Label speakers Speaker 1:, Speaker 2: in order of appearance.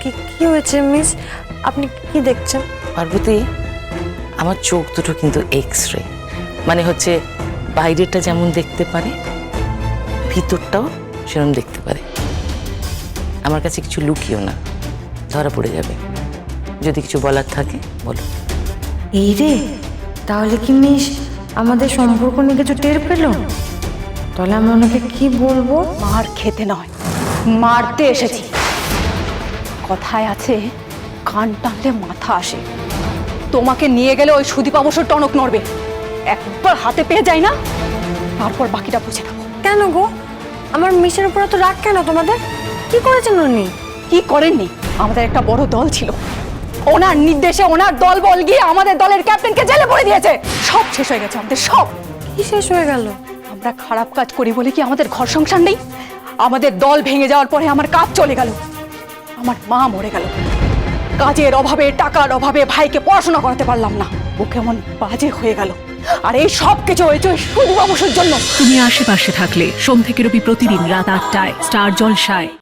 Speaker 1: কি কি হয়েছে মিস? আপনি কি দেখছেন?
Speaker 2: পার্বতী, আমার চোখ দুটো কিন্তু এক্স-রে, মানে হচ্ছে বাইরেটা যেমন দেখতে পারে ভিতরটাও সেরকম দেখতে পারে। আমার কাছে কিছু লুকিও না, ধরা পড়ে যাবে। যদি কিছু বলার থাকে বলো।
Speaker 1: এই রে, তাহলে কি মিস আমাদের সম্পর্ক নিয়ে কিছু টের পেল? তাহলে আমি ওনাকে কি বলবো?
Speaker 3: মার খেতে নয়, মারতে এসেছি। কথায় আছে কান টানলে মাথা আসে। তোমাকে নিয়ে গেলে ওই সুদীপ অবশ্য টনক নড়বে। একবার হাতে পেয়ে যায় না, তারপর বাকিটা বুঝে নেবো।
Speaker 1: কেন গো, আমার মিসের উপর এত রাগ কেন তোমাদের? কি করেছেন উনি?
Speaker 3: কি করেননি? আমাদের একটা বড় দল ছিল, ওনার নির্দেশে ওনার দল বল গিয়ে আমাদের দলের ক্যাপ্টেনকে জেলে ভরে দিয়েছে। সব শেষ হয়ে গেছে আমাদের, সব।
Speaker 1: কি শেষ হয়ে গেল?
Speaker 3: আমরা খারাপ কাজ করি বলে কি আমাদের ঘর সংসার নেই? আমাদের দল ভেঙে যাওয়ার পরে আমার কাজ চলে গেল, আমার মা মরে গেল। কাজের অভাবে, টাকার অভাবে ভাইকে পড়াশোনা করাতে পারলাম না। ও কেমন বাজে হয়ে গেল। আর এই সব কিছু হয়েছে শুধু অবসর জন্য।
Speaker 4: তুমি আশেপাশে থাকলে সোম থেকে রবি প্রতিদিন রাত ৮টায় স্টার জলসায়।